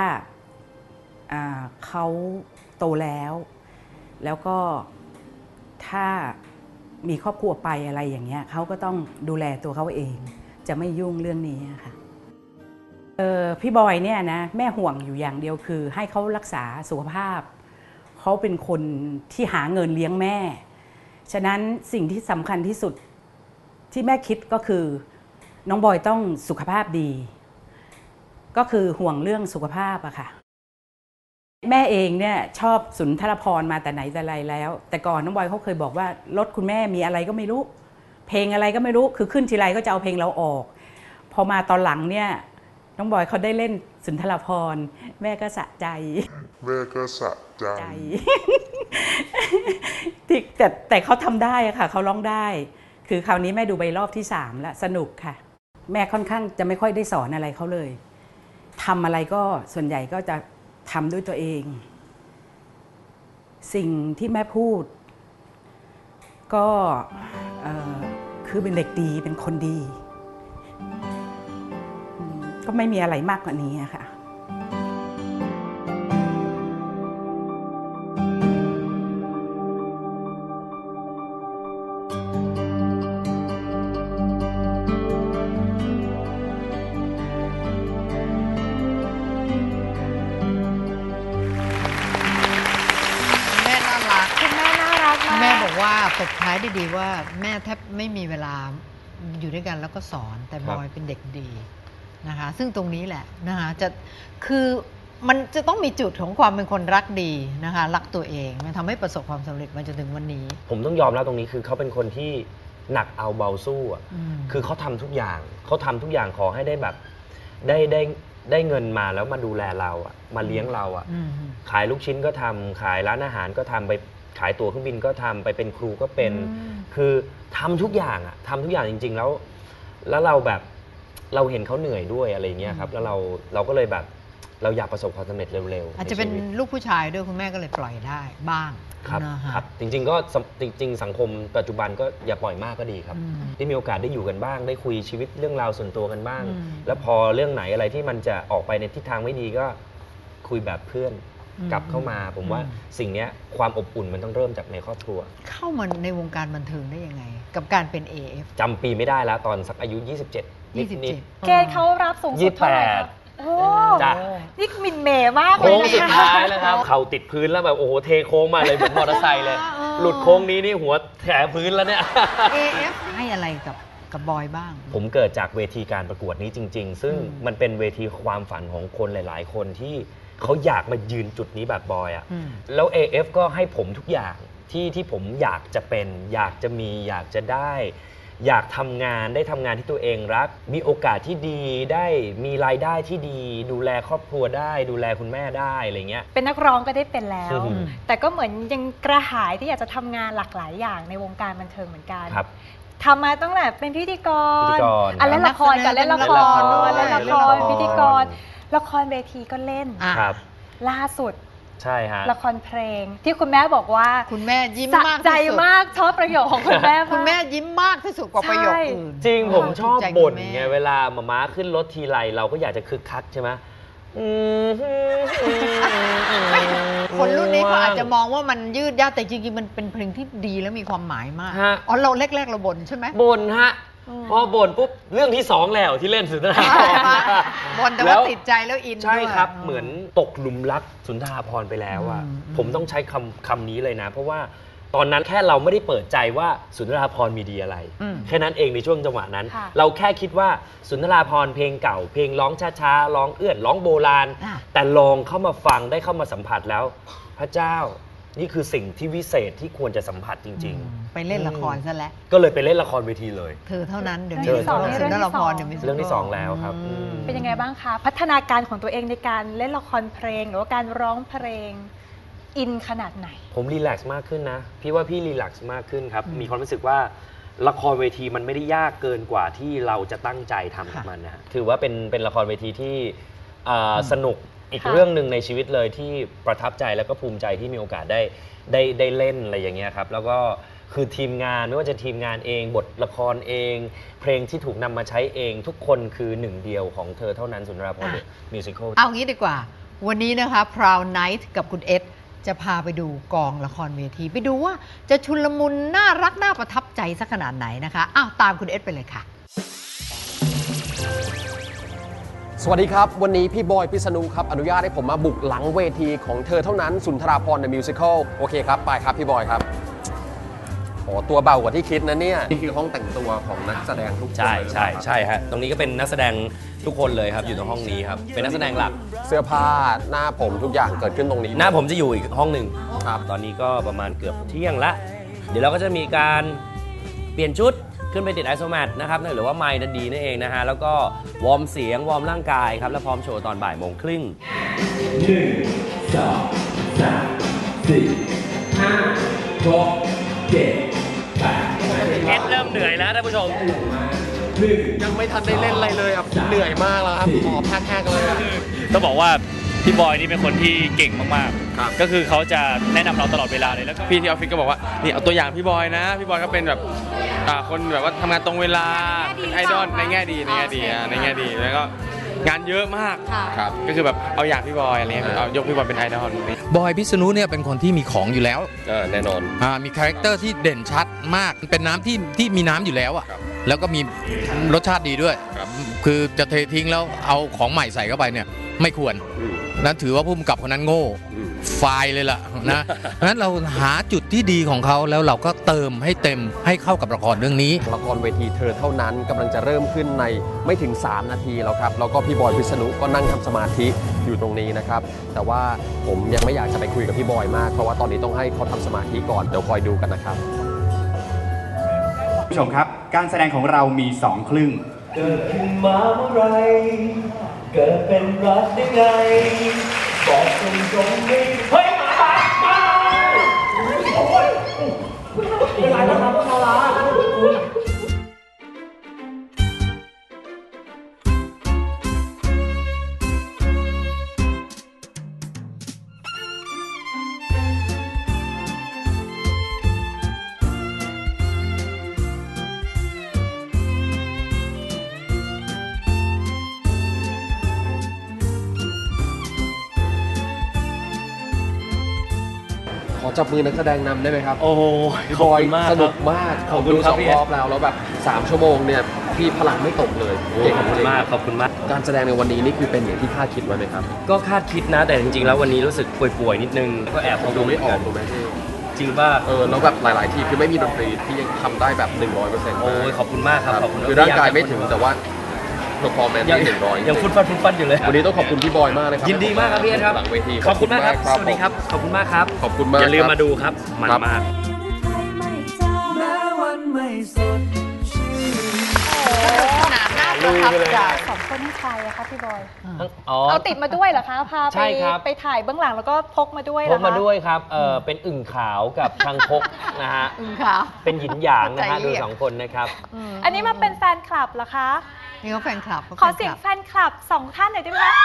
[SPEAKER 8] เขาโตแล้วก็ถ้ามีครอบครัวไปอะไรอย่างเงี้ยเขาก็ต้องดูแลตัวเขาเองจะไม่ยุ่งเรื่องนี้ค่ะพี่บอยเนี่ยนะแม่ห่วงอยู่อย่างเดียวคือให้เขารักษาสุขภาพเขาเป็นคนที่หาเงินเลี้ยงแม่ฉะนั้นสิ่งที่สำคัญที่สุดที่แม่คิดก็คือน้องบอยต้องสุขภาพดีก็คือห่วงเรื่องสุขภาพอะค่ะแม่เองเนี่ยชอบสุนทรภรณ์มาแต่ไหนแต่ไรแล้วแต่ก่อนน้องบอยเขาเคยบอกว่ารถคุณแม่มีอะไรก็ไม่รู้เพลงอะไรก็ไม่รู้คือขึ้นทีไรก็จะเอาเพลงเราออกพอมาตอนหลังเนี่ยน้องบอยเขาได้เล่นสุนทรภรณ์แม่ก็สะใจแต่เขาทำได้อะค่ะเขาร้องได้คือคราวนี้แม่ดูไปรอบที่3แล้วสนุกค่ะแม่ค่อนข้างจะไม่ค่อยได้สอนอะไรเขาเลยทำอะไรก็ส่วนใหญ่ก็จะทำด้วยตัวเองสิ่งที่แม่พูดก็คือเป็นเด็กดีเป็นคนดีก็ไม่มีอะไรมากกว่านี้ค่ะ
[SPEAKER 3] แม่บอกว่าตบท้ายได้ดีว่าแม่แทบไม่มีเวลาอยู่ด้วยกันแล้วก็สอนแต่บอยเป็นเด็กดีนะคะซึ่งตรงนี้แหละนะคะคือมันจะต้องมีจุดของความเป็นคนรักดีนะคะรักตัวเองมันทำให้ประสบความสำเร็จมาจนถึงวันนี้
[SPEAKER 6] ผมต้องยอมรับตรงนี้คือเขาเป็นคนที่หนักเอาเบาสู้อ่ะคือเขาทำทุกอย่างขอให้ได้แบบได้เงินมาแล้วมาดูแลเราอ่ะมาเลี้ยงเราอ่ะขายลูกชิ้นก็ทำขายร้านอาหารก็ทำไปขายตั๋วเครื่องบินก็ทำไปเป็นครูก็เป็นคือทำทุกอย่างอะทำทุกอย่างจริงๆแล้วเราแบบเราเห็นเขาเหนื่อยด้วยอะไรเงี้ยครับแล้วเราก็เลยแบบเราอยากประสบความสำเร็จเร็วๆ
[SPEAKER 3] อาจจะเป็นลูกผู้ชายด้วยคุณแม่ก็เลยปล่อยได้บ้าง
[SPEAKER 6] ครับจริงๆก็จริงๆสังคมปัจจุบันก็อย่าปล่อยมากก็ดีครับได้มีโอกาสได้อยู่กันบ้างได้คุยชีวิตเรื่องราวส่วนตัวกันบ้างแล้วพอเรื่องไหนอะไรที่มันจะออกไปในทิศทางไม่ดีก็คุยแบบเพื่อนกลับเข้ามาผมว่าสิ่งนี้ความอบอุ่นมันต้องเริ่มจากในครอบครัว
[SPEAKER 3] เข้ามาในวงการบันเทิงได้ยังไงกับการเป็น AF
[SPEAKER 6] จำปีไม่ได้แล้วตอนสักอายุ27นิด
[SPEAKER 4] เกณฑ์เขารับสูงสุดเท่าไหร่ครับโอ้นี่มินเมย์มากเลย
[SPEAKER 6] โค้งสุดท้ายแล้วครับเข่าติดพื้นแล้วแบบโอ้โหเทโค้งมาเลยเหมือนมอเตอร์ไซค์เลยหลุดโค้งนี้นี่หัวแถพื้นแล้วเนี่ย
[SPEAKER 3] AF ให้อะไรกับบอยบ้าง
[SPEAKER 6] ผมเกิดจากเวทีการประกวดนี้จริงๆซึ่งมันเป็นเวทีความฝันของคนหลายๆคนที่เขาอยากมายืนจุดนี้แบบบอยอ่ะแล้ว AF ก็ให้ผมทุกอย่างที่ผมอยากจะเป็นอยากจะมีอยากจะได้อยากทำงานได้ทำงานที่ตัวเองรักมีโอกาสที่ดีได้มีรายได้ที่ดีดูแลครอบครัวได้ดูแลคุณแม่ได้อะไรเงี้ย
[SPEAKER 4] เป็นนักร้องก็ได้เป็นแล้วแต่ก็เหมือนยังกระหายที่อยากจะทำงานหลากหลายอย่างในวงการบันเทิงเหมือนกันทำมาตั้งแต่เป็นพิธีกรเล่นละครกับเล่นละครด้วยเล่นละครพิธีกรละครเวทีก็เล่นล่าสุด
[SPEAKER 6] ใช่ฮะ
[SPEAKER 4] ละครเพลงที่คุณแม่บอกว่า
[SPEAKER 3] คุณแม่ยิ้มมาก
[SPEAKER 4] ใจมากชอบประโยคของคุณแม่
[SPEAKER 3] คุณแม่ยิ้มมากที่สุดกว่าประโยคอื่น
[SPEAKER 6] จริงผมชอบบ่นไงเวลาม้าขึ้นรถทีไรเราก็อยากจะคึกคักใช่ไหม
[SPEAKER 3] คนรุ่นนี้เขาอาจจะมองว่ามันยืดยาดแต่จริงๆมันเป็นเพลงที่ดีและมีความหมายมาก
[SPEAKER 6] ฮะ
[SPEAKER 3] อ๋อเราแรกๆเราบ่นใช่ไหม
[SPEAKER 6] บ่นฮะพอบ่นปุ๊บเรื่องที่2แล้วที่เล่นสุนทราภรณ์
[SPEAKER 3] บ่นแต่ว่าติดใจแล้วอิน
[SPEAKER 6] ใช่ครับ
[SPEAKER 3] ด้วย
[SPEAKER 6] เหมือนตกหลุมรักสุนทราภรณ์ไปแล้วอ่ะ ผมต้องใช้คำนี้เลยนะ เพราะว่าตอนนั้นแค่เราไม่ได้เปิดใจว่าสุนทราภรณ์มีดีอะไร แค่นั้นเองในช่วงจังหวะนั้น
[SPEAKER 4] ค่ะ
[SPEAKER 6] เราแค่คิดว่าสุนทราภรณ์เพลงเก่า เพลงร้องช้าๆร้องเอื้อนร้องโบราณ แต่ลองเข้ามาฟังได้เข้ามาสัมผัสแล้ว พระเจ้านี่คือสิ่งที่วิเศษที่ควรจะสัมผัสจริง
[SPEAKER 3] ไปเล่นละครซะแล้ว
[SPEAKER 6] ๆ ก็เลยไปเล่นละครเวทีเลย
[SPEAKER 3] เธอเท่านั้นเดี๋ยว
[SPEAKER 4] เรื่องที่สอง
[SPEAKER 3] นี้
[SPEAKER 4] เรื่องที่
[SPEAKER 3] ละคร
[SPEAKER 4] สอง
[SPEAKER 3] เดี๋ยวมี
[SPEAKER 6] เรื่องที่ 2 แล้วครับ
[SPEAKER 4] เป็นยังไงบ้างคะ พัฒนาการของตัวเองในการเล่นละครเพลง หรือว่าการร้องเพลงอินขนาดไหน
[SPEAKER 6] ผมรีแลกซ์มากขึ้นนะ พี่ว่าพี่รีแลกซ์มากขึ้นครับ มีความรู้สึกว่าละครเวทีมันไม่ได้ยากเกินกว่าที่เราจะตั้งใจทำกับมันนะฮะถือว่าเป็นละครเวทีที่สนุกอีก
[SPEAKER 4] ค่ะ
[SPEAKER 6] เรื่องหนึ่งในชีวิตเลยที่ประทับใจแล้วก็ภูมิใจที่มีโอกาสได้เล่นอะไรอย่างเงี้ยครับ แล้วก็คือทีมงานไม่ว่าจะทีมงานเองบทละครเอง เพลงที่ถูกนำมาใช้เองทุกคนคือหนึ่งเดียวของเธอเท่านั้นสุนทราภรณ์มิวสิควล
[SPEAKER 3] เอางี้ดีกว่า วันนี้นะคะ Proud Night กับคุณเอสจะพาไปดูกองละครเวที ไปดูว่าจะชุลมุนน่ารักน่าประทับใจสักขนาดไหนนะคะอ้าวตามคุณเอสไปเลยค่ะ
[SPEAKER 9] สวัสดีครับ วันนี้พี่บอยพิษณุครับอนุญาตให้ผมมาบุกหลังเวทีของเธอเท่านั้นสุนทราภรณ์ในมิวสิควลโอเคครับไปครับพี่บอยครับโอ้ตัวเบากว่าที่คิดนะเนี่ยนี่คือห้องแต่งตัวของนักแสดงทุกคน
[SPEAKER 6] ใช่
[SPEAKER 9] เลย
[SPEAKER 6] ใช่ใช่ฮะตรงนี้ก็เป็นนักแสดงทุกคนเลยครับอยู่ในห้องนี้ครับเป็นนักแสดงหลัก
[SPEAKER 9] เสื้อผ้าหน้าผมทุกอย่างเกิดขึ้นตรงนี้
[SPEAKER 6] หน้าผมจะอยู่อีกห้องหนึ่ง
[SPEAKER 9] ครับ
[SPEAKER 6] ตอนนี้ก็ประมาณเกือบเที่ยงละ เดี๋ยวเราก็จะมีการเปลี่ยนชุดขึ้นไปติดไอโซแมทนะครับหรือว่าไมค์นั่นดีนั่นเองนะฮะ แล้วก็วอร์มเสียง วอร์มร่างกายครับ แล้วพร้อมโชว์ตอนบ่ายโมงครึ่งเอ็ดเริ่มเหนื่อยแล้วท่านผู้ชม
[SPEAKER 9] ยังไม่ทันได้เล่นอะไรเลยครับเหนื่อยมากแล้วครับหอบแห้งๆเลยอะ
[SPEAKER 10] ต้องบอกว่าพี่บอยนี่เป็นคนที่เก่งมาก
[SPEAKER 9] ครับ
[SPEAKER 10] ๆ ก็คือเขาจะแนะนำเราตลอดเวลาเลยแล้วก็
[SPEAKER 11] พี่ที่ออฟฟิศก็บอกว่านี่เอาตัวอย่างพี่บอยนะ พี่บอยก็เป็นแบบคนแบบว่าทำงานตรงเวลาเป็นไอดอลในแง่ดีในแง่ดีในแง่ดีแล้วก็งานเยอะมาก
[SPEAKER 9] ครับ
[SPEAKER 11] ก็คือแบบเอาอย่างพี่บอยอะไรเงี้ยเอายกพี่บอยเป็นไอดอล
[SPEAKER 12] บอยพิษณุเนี่ยเป็นคนที่มีของอยู่แล้ว
[SPEAKER 9] แน่นอน
[SPEAKER 12] มีคาแรคเตอร์ที่เด่นชัดมาก เป็นน้ำที่มีน้ำอยู่แล้วอ่ะ
[SPEAKER 9] ครับ
[SPEAKER 12] แล้วก็มีรสชาติดีด้วย
[SPEAKER 9] ครับ
[SPEAKER 12] คือจะเททิ้งแล้วเอาของใหม่ใส่เข้าไปเนี่ยไม่ควร นั้นถือว่าผู้กำกับคนนั้นโง่ไฟล์เลยล่ะนะ เพราะฉะนั้นเราหาจุดที่ดีของเขาแล้วเราก็เติมให้เต็มให้เข้ากับละครเรื่องนี้
[SPEAKER 9] ละครเวทีเธอเท่านั้นกำลังจะเริ่มขึ้นในไม่ถึง 3 นาทีแล้วครับแล้วก็พี่บอยพิษณุก็นั่งทำสมาธิอยู่ตรงนี้นะครับแต่ว่าผมยังไม่อยากจะไปคุยกับพี่บอยมากเพราะว่าตอนนี้ต้องให้เขาทำสมาธิก่อนเดี๋ยวคอยดูกันนะครับ
[SPEAKER 13] ผู้ชมครับการแสดงของเรามี 2 ครึ่ง
[SPEAKER 2] เกิดขึ้นมาเมื่อไรเกิดเป็นรักได้ไงบอกตรงๆไม่เฮ้ยมาโอ้ยเป็นไรนะครับพวกเรา
[SPEAKER 9] ขอจับมือนักแสดงนำได้ไหมครับ
[SPEAKER 6] โอ้โห
[SPEAKER 9] พี่
[SPEAKER 6] ข
[SPEAKER 9] บ
[SPEAKER 6] อบ
[SPEAKER 9] อย
[SPEAKER 6] คุณมาก
[SPEAKER 9] สนุก
[SPEAKER 6] ครับ
[SPEAKER 9] มาก
[SPEAKER 6] ขอบคุณ
[SPEAKER 9] ดู
[SPEAKER 6] ครับ
[SPEAKER 9] 2
[SPEAKER 6] พี่
[SPEAKER 9] รอบแล้วแบบ3 ชั่วโมงเนี่ยพี่พลังไม่ตกเลย
[SPEAKER 6] ข
[SPEAKER 9] เก่ง
[SPEAKER 6] อบคุณมากขอบคุณมาก
[SPEAKER 9] การแสดงในวันนี้นี่คือเป็นอย่างที่คาดคิดไว้ไหมครับ
[SPEAKER 6] ก็คาดคิดนะ แต่จริงๆแล้ววันนี้รู้สึกป่วยๆนิดนึงก็แอบ
[SPEAKER 9] ดูไม่ออกถูกไหมพี่
[SPEAKER 6] จริงป่ะ
[SPEAKER 9] แล้วแบบหลายๆทีคือไม่มีดนตรีที่ยังทำได้แบบ 100%
[SPEAKER 6] โอ้ยขอบคุณมากครับขอบคุณ
[SPEAKER 9] คือร่างกายไม่ถึงแต่ว่าเพอร์ฟอร์แมนซ์
[SPEAKER 6] ยัง
[SPEAKER 9] ที่100
[SPEAKER 6] ยังฟุดฟัดฟุดฟัดอยู่เลย
[SPEAKER 9] วันนี้ต้องขอบคุณพี่บอยมากเลยครับ
[SPEAKER 6] ยินดีมากครับพี่เอ็ดครับ
[SPEAKER 9] หลังเวที
[SPEAKER 6] ขอบคุณมากครับสวัสดีครับขอบคุณมากครับ
[SPEAKER 9] ขอบคุณมาก
[SPEAKER 6] อย่าลืม
[SPEAKER 9] ครับ
[SPEAKER 6] มาดูครับมันมาก
[SPEAKER 3] ขนาดน่าประทับใจ
[SPEAKER 4] สองคนนี่ใครอะคะพี่บอย
[SPEAKER 6] อ๋อ
[SPEAKER 4] เอาติดมาด้วยเหรอคะ พา
[SPEAKER 6] ใช่ครับ
[SPEAKER 4] ไปถ่ายเบื้องหลังแล้วก็พกมาด้วยเห
[SPEAKER 6] พ
[SPEAKER 4] รอก คะ
[SPEAKER 6] มาด้วยครับเป็นอึ่งขาวกับคังคกนะฮะ
[SPEAKER 3] อึ่งขาว
[SPEAKER 6] เป็นหยินหยางนะฮะ
[SPEAKER 3] ใจเรี
[SPEAKER 6] ดู
[SPEAKER 3] ยก
[SPEAKER 6] 2 คนนะครับ
[SPEAKER 4] อันนี้มาเป็นแฟนคลับเหรอคะ
[SPEAKER 3] นี่เขาแฟนคลับ
[SPEAKER 4] ขอเสียงแฟนคลับ2 ท่านหน่อยได้ไหมคะ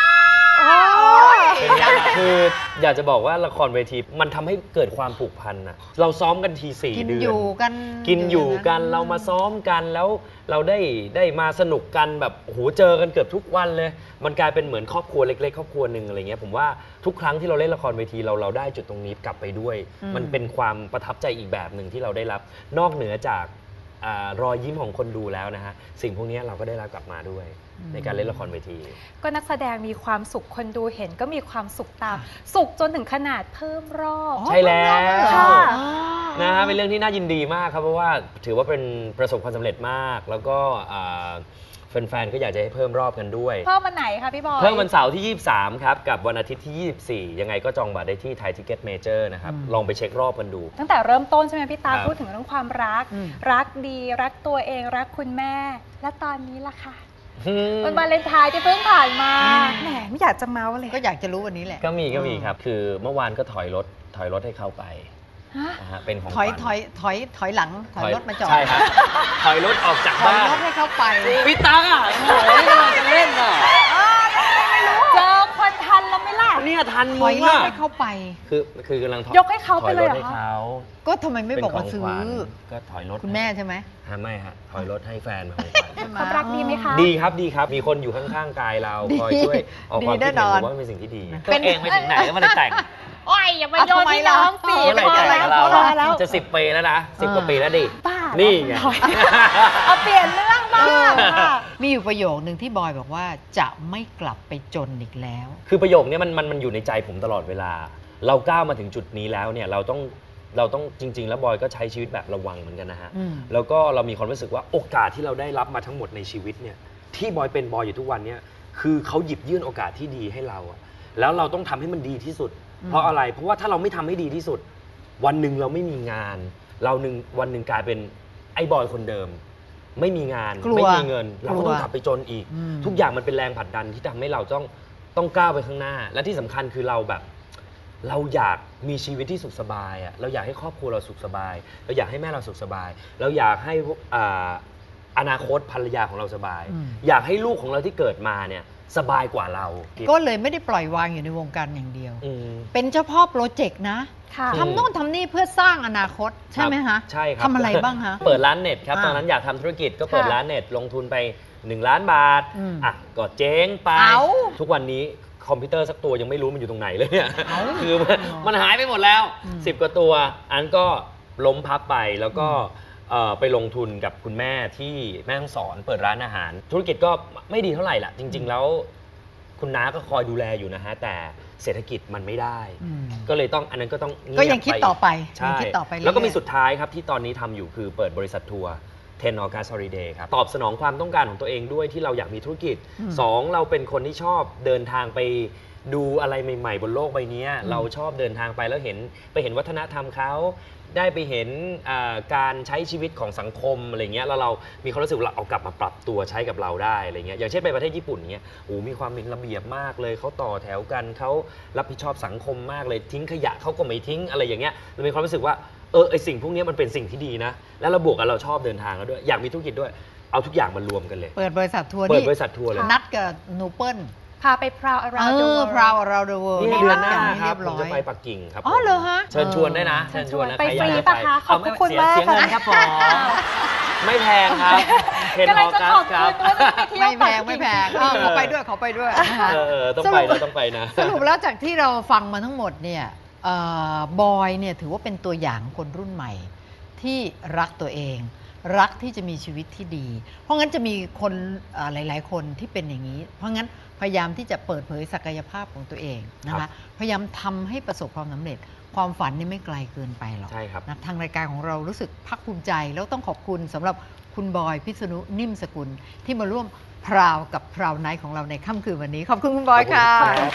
[SPEAKER 6] คืออยากจะบอกว่าละครเวทีมันทำให้เกิดความผูกพันอะเราซ้อมกันที4 เดือน
[SPEAKER 3] กินอยู่กัน
[SPEAKER 6] เรามาซ้อมกันแล้วเราได้มาสนุกกันแบบโอ้โหเจอกันเกือบทุกวันเลยมันกลายเป็นเหมือนครอบครัวเล็กๆครอบครัวหนึ่งอะไรเงี้ยผมว่าทุกครั้งที่เราเล่นละครเวทีเราได้จุดตรงนี้กลับไปด้วยมันเป็นความประทับใจอีกแบบหนึ่งที่เราได้รับนอกเหนือจากรอยยิ้มของคนดูแล้วนะฮะสิ่งพวกนี้เราก็ได้รับกลับมาด้วยในการเล่นละครเวที
[SPEAKER 4] ก็นักแสดงมีความสุขคนดูเห็นก็มีความสุขตามสุขจนถึงขนาดเพิ่มรอบ
[SPEAKER 6] ใช่แล้วนะฮะเป็นเรื่องที่น่ายินดีมากครับเพราะว่าถือว่าเป็นประสบความสำเร็จมากแล้วก็แฟนๆก็อยากจะให้เพิ่มรอบกันด้วย
[SPEAKER 4] เพิ่มวันไหนคะพี่บอย
[SPEAKER 6] เพิ่มวันเสาร์ที่23ครับกับวันอาทิตย์ที่24ยังไงก็จองบัตรได้ที่ไทยทิเก็ตเมเจอร์นะครับลองไปเช็ครอบกันดู
[SPEAKER 4] ตั้งแต่เริ่มต้นใช่ไหมพี่ตาพูดถึงเรื่องความรักรักดีรักตัวเองรักคุณแม่และตอนนี้ล่ะค่ะวันวาเลนไทน์ที่เพิ่งผ่านมาแหมไม่อยากจะเมาเลย
[SPEAKER 3] ก็อยากจะรู้วันนี้แหละ
[SPEAKER 6] ก็มีครับคือเมื่อวานก็ถอยรถให้เขาไปเป็นของ
[SPEAKER 3] ถอยหลังถอยรถมาจอด
[SPEAKER 6] ใช่ครับถอยรถออกจากบ้าน
[SPEAKER 3] ถอยรถให้เขาไป
[SPEAKER 6] พี่ตั๊กอ่ะโอ้โหเราจะเล่นอ่ะ
[SPEAKER 4] เจอคนทันแล้วไม่ล่ะ
[SPEAKER 6] เนี่ยทัน
[SPEAKER 3] ถอยรถให้เขาไป
[SPEAKER 6] คือกำลัง
[SPEAKER 4] ยกให้เขาไปเลยเหรอคะ
[SPEAKER 3] ก็ทำไมไม่บอกว่าซื้อ
[SPEAKER 6] ก็ถอยรถ
[SPEAKER 3] คุณแม่ใช่ไหม
[SPEAKER 6] ไม่ฮะถอยรถให้แฟนของขวัญ
[SPEAKER 4] ความรักดีไหมคะ
[SPEAKER 6] ดีครับมีคนอยู่ข้างๆกายเราคอยช่วยออกความคิดเห็นว่าเป็นสิ่งที่ดีตัวเองไปถึงไหนแล้วมันเลยแต่ง
[SPEAKER 4] โอ้ยอย่ามาโยนที่น้องสิ
[SPEAKER 6] พอแล้วจะ10 ปีแล้วนะ10 กว่าปีแล้วดินี่ไง
[SPEAKER 4] เอาเปลี่ยนเรื่องบ้าง
[SPEAKER 3] มีอยู่ประโยคนึงที่บอยบอกว่าจะไม่กลับไปจนอีกแล้ว
[SPEAKER 6] คือประโยคนี้มันอยู่ในใจผมตลอดเวลาเราก้าวมาถึงจุดนี้แล้วเนี่ยเราต้องจริงๆแล้วบอยก็ใช้ชีวิตแบบระวังเหมือนกันนะฮะแล้วก็เรามีความรู้สึกว่าโอกาสที่เราได้รับมาทั้งหมดในชีวิตเนี่ยที่บอยเป็นบอยอยู่ทุกวันเนี่ยคือเขาหยิบยื่นโอกาสที่ดีให้เราอะแล้วเราต้องทำให้มันดีที่สุดเพราะอะไรเพราะว่าถ้าเราไม่ทำให้ดีที่สุดวันหนึ่งเราไม่มีงานวันหนึ่งกลายเป็นไอ้บอยคนเดิมไม่มีงานไม่มีเงินเราก็ต้องกลับไปจนอีกทุกอย่างมันเป็นแรงผลักดันที่ทำให้เราต้องก้าวไปข้างหน้าและที่สำคัญคือเราอยากมีชีวิตที่สุขสบายอ่ะเราอยากให้ครอบครัวเราสุขสบายเราอยากให้แม่เราสุขสบายเราอยากให้อนาคตภรรยาของเราสบายอยากให้ลูกของเราที่เกิดมาเนี่ยสบายกว่าเรา
[SPEAKER 3] ก็เลยไม่ได้ปล่อยวางอยู่ในวงการอย่างเดียวเป็นเฉพาะโปรเจกต์นะทำโน่นทำนี่เพื่อสร้างอนาคตใช่ไหมฮะ
[SPEAKER 6] ใช่ครับ
[SPEAKER 3] ทำอะไรบ้างฮะ
[SPEAKER 6] เปิดร้านเน็ตครับตอนนั้นอยากทำธุรกิจก็เปิดร้านเน็ตลงทุนไป1 ล้านบาทก็เจ๊งไปทุกวันนี้คอมพิวเตอร์สักตัวยังไม่รู้มันอยู่ตรงไหนเลยเนี่ยคือมันหายไปหมดแล้ว10 กว่าตัวอันก็ล้มพับไปแล้วก็ไปลงทุนกับคุณแม่ที่แม่ฮ่องสอนเปิดร้านอาหารธุรกิจก็ไม่ดีเท่าไหร่ล่ะจริงๆแล้วคุณน้าก็คอยดูแลอยู่นะฮะแต่เศรษฐกิจมันไม่ได้ก็เลยต้องอันนั้นก็ต้อง
[SPEAKER 3] ก็ยังคิดต่อไป
[SPEAKER 6] ใช่แล้วก็มีสุดท้ายครับที่ตอนนี้ทำอยู่คือเปิดบริษัททัวร์10 August Holiday ครับตอบสนองความต้องการของตัวเองด้วยที่เราอยากมีธุรกิจ2เราเป็นคนที่ชอบเดินทางไปดูอะไรใหม่ๆบนโลกใบนี้เราชอบเดินทางไปแล้วเห็นวัฒนธรรมเขาได้ไปเห็นการใช้ชีวิตของสังคมอะไรเงี้ยแล้วเรามีความรู้สึกว่าเอากลับมาปรับตัวใช้กับเราได้อะไรเงี้ยอย่างเช่นไปประเทศญี่ปุ่นเงี้ยโอ้มีความเป็นระเบียบมากเลยเขาต่อแถวกันเขารับผิดชอบสังคมมากเลยทิ้งขยะเขาก็ไม่ทิ้งอะไรอย่างเงี้ยเรามีความรู้สึกว่าไอสิ่งพวกนี้มันเป็นสิ่งที่ดีนะแล้วเราบวกกับเราชอบเดินทางแล้วด้วยอยากมีธุรกิจด้วยเอาทุกอย่างมารวมกันเลย
[SPEAKER 3] เปิดบริษัททัวร์
[SPEAKER 6] เลย
[SPEAKER 3] นัดกับหนูเปิ้ล
[SPEAKER 4] พาไปพราวอาราเดอะ
[SPEAKER 3] พราวอาราเดอะเวิลด์
[SPEAKER 6] นี่เดือนหน้าครับผมจะไปปักกิ่งครับ
[SPEAKER 3] อ๋อเหรอฮะ
[SPEAKER 6] เชิญชวนได้นะเชิญชวนนะ
[SPEAKER 4] ไปฟรีป่ะคะขอบคุณมาก
[SPEAKER 6] เสียเงินครับผมไม่แพงครับ
[SPEAKER 4] 10 Augustครับ
[SPEAKER 3] ไม่แพงเขาไปด้วย
[SPEAKER 6] ต้องไปนะ
[SPEAKER 3] สรุปแล้วจากที่เราฟังมาทั้งหมดเนี่ยบอยเนี่ยถือว่าเป็นตัวอย่างคนรุ่นใหม่ที่รักตัวเองรักที่จะมีชีวิตที่ดีเพราะงั้นจะมีคนหลายๆคนที่เป็นอย่างนี้เพราะงั้นพยายามที่จะเปิดเผยศักยภาพของตัวเองนะคะพยายามทำให้ประสบความสำเร็จความฝันนี่ไม่ไกลเกินไปหรอกนะทางรายการของเรารู้สึกภาคภูมิใจแล้วต้องขอบคุณสำหรับคุณบอยพิษณุนิ่มสกุลที่มาร่วมพราวกับพราวไนท์ของเราในค่ำคืนวันนี้ขอบคุณคุณบอยค่ะ
[SPEAKER 4] ขอบคุณ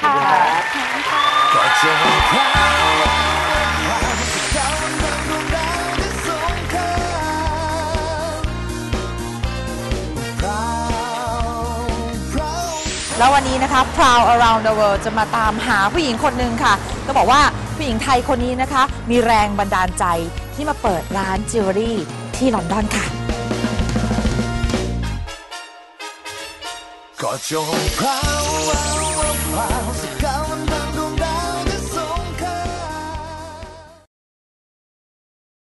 [SPEAKER 5] แล้ววันนี้นะคะ Proud Around the World จะมาตามหาผู้หญิงคนหนึ่งค่ะก็บอกว่าผู้หญิงไทยคนนี้นะคะมีแรงบันดาลใจที่มาเปิดร้านจิวเวลรี่ที่ลอนดอนค่ะ
[SPEAKER 7] ก็จงพราวพราวสัก